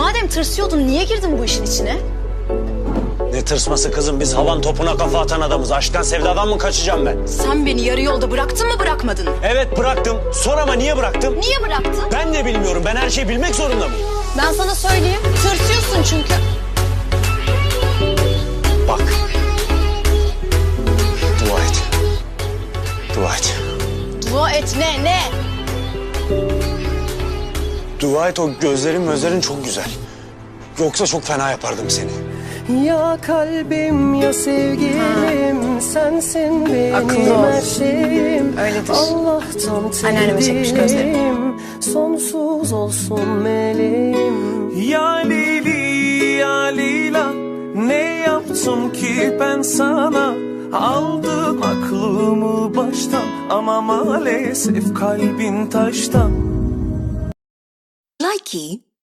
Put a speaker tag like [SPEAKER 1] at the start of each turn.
[SPEAKER 1] Madem tırsıyordun niye girdin bu işin içine?
[SPEAKER 2] Ne tırsması kızım, biz havan topuna kafa atan adamız. Aşktan sevdadan mı kaçacağım ben?
[SPEAKER 1] Sen beni yarı yolda bıraktın mı bırakmadın mı?
[SPEAKER 2] Evet bıraktım. Sor ama niye bıraktım?
[SPEAKER 1] Niye bıraktın?
[SPEAKER 2] Ben de bilmiyorum. Ben her şeyi bilmek zorunda mıyım?
[SPEAKER 1] Ben sana söyleyeyim. Tırsıyorsun çünkü.
[SPEAKER 2] Bak. Dua et. Dua et.
[SPEAKER 1] Dua et ne?
[SPEAKER 2] Dua et, o gözlerin çok güzel. Yoksa çok fena yapardım seni.
[SPEAKER 3] Ya kalbim ya sevgilim, sensin
[SPEAKER 1] Akıllı
[SPEAKER 3] benim
[SPEAKER 1] ol.
[SPEAKER 3] her şeyim.
[SPEAKER 1] Öyledir.
[SPEAKER 3] Allah'tan
[SPEAKER 1] Anneanneme çekmiş gözlerini.
[SPEAKER 3] tedirginim, sonsuz olsun meleğim.
[SPEAKER 4] Ya Lili ya Lila, ne yaptım ki ben sana? Aldın aklımı baştan ama maalesef kalbin taştan.
[SPEAKER 5] Likey